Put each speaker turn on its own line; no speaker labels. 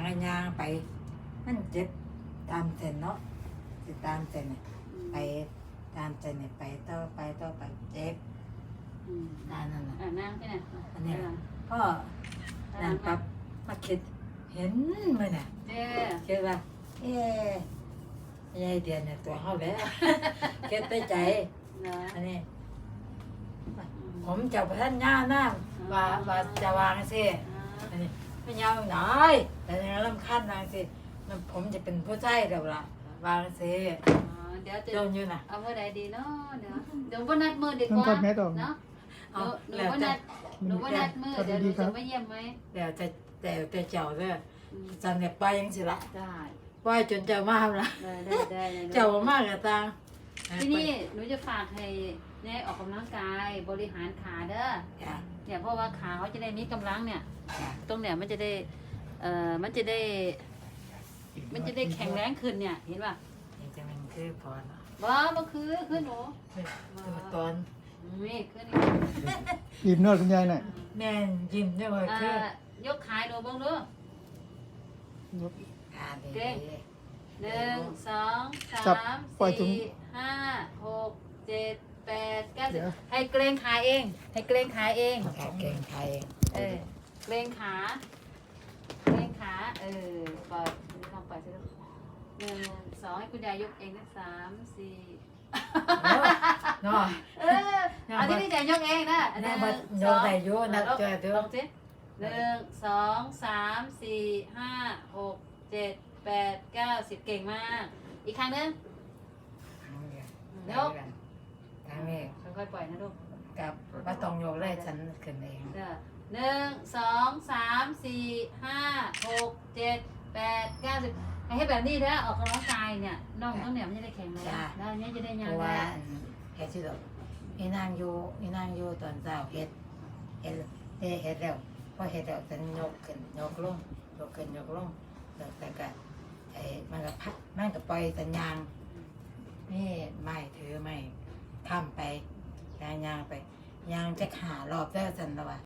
ระยางไปมันเจ็บตามเส้นเนาะสิตามเส้นไปตามเส้นไปต่อไปเจ็บนั่นน่ะ
นั่งที่ไหน
อันนี้พ่อนั่นปั๊บมาคิดเห็นมั้ยน่ะคิดว่ายายเดือนเนี่ยตัวเขาแล้วคิดในใจอันนี้ผมจะไปท่านย่าหน้าว่าจะวางสิอันนี้ไม่ยาวหน่อยแต่ยังรำคาญวางสิผมจะเป็นผู้ใจเดี๋ยวละวางสิ
เดี๋ยวจะ
โดนอยู่นะ
เอาเมื่อใดดีเนาะเดี๋ยววันนัดมือดีกว่าเนาะหนูวันนัดมือเดี๋ยวหนูจะมาเยี่ยมไหม
เดี๋ยวแต่เจ้าเด้อจันเนี่ยไปยังสิละ
ได้
ไปจนเจ้ามากละเจ้ามากกับตา
ที่นี่หนูจะฝากให้เนี่ยออกกำลังกายบริหารขาเด้อเนี่ยเพราะว่าขาเขาจะได้มีกำลังเนี่ยตรงเนี่ยมันจะได้มันจะได้แข็งแรงขึ้นเนี่ยเห็นป่ะ
นี่จะมันคือพอเนาะ
บ่คือหนู
ตอน
นี่ขึ้น
ยิ้มนวดคุณยายหน่อย
แม่ยิ้มเนี่ยเลยคือย
กขาดูบ้างดูเก่ง1 2 3 4 5 6 7 8 9ให้เกรงขาเองให้เกรงขาเอง
เกรงขาเอง
เกรงขาปล่อยลองปล่อยสิลูก1 2ให้คุณยายยกเองนะ3 4
เนาะ
อันนี้พี่ยายยกเองนะ
ยกได้โยนักจ่อยตัว
ลองสิ1 2 3 4 5 6 7 8 9 10เก่งมากอีกครั้งนึงยก
ทางนี้
ค่อยๆปล่อยนะลูก
กับว่าต้องยกได้ฉันขึ้นเอง
1 2 3 4 5 6 7 8 9 10ให้แบบนี้นะออกกำลังกายเนี่ยน่องต้องเนี่ยมันจะได้แข็งแรงแล้วนี้จะได้ยาวได้
เฮ็ดสิลูกนี่นางอยู่ตอนเช้าเฮ็ดแล้วพอเฮ็ดแล้วฉันยกขึ้นยกลงแต่ก็มันก็พักมันก็ปล่อยสัญญาณนี่ไม่ถือไม่ข้ามไปยางไปยางจะหารอบแล้วฉันแล้วว่า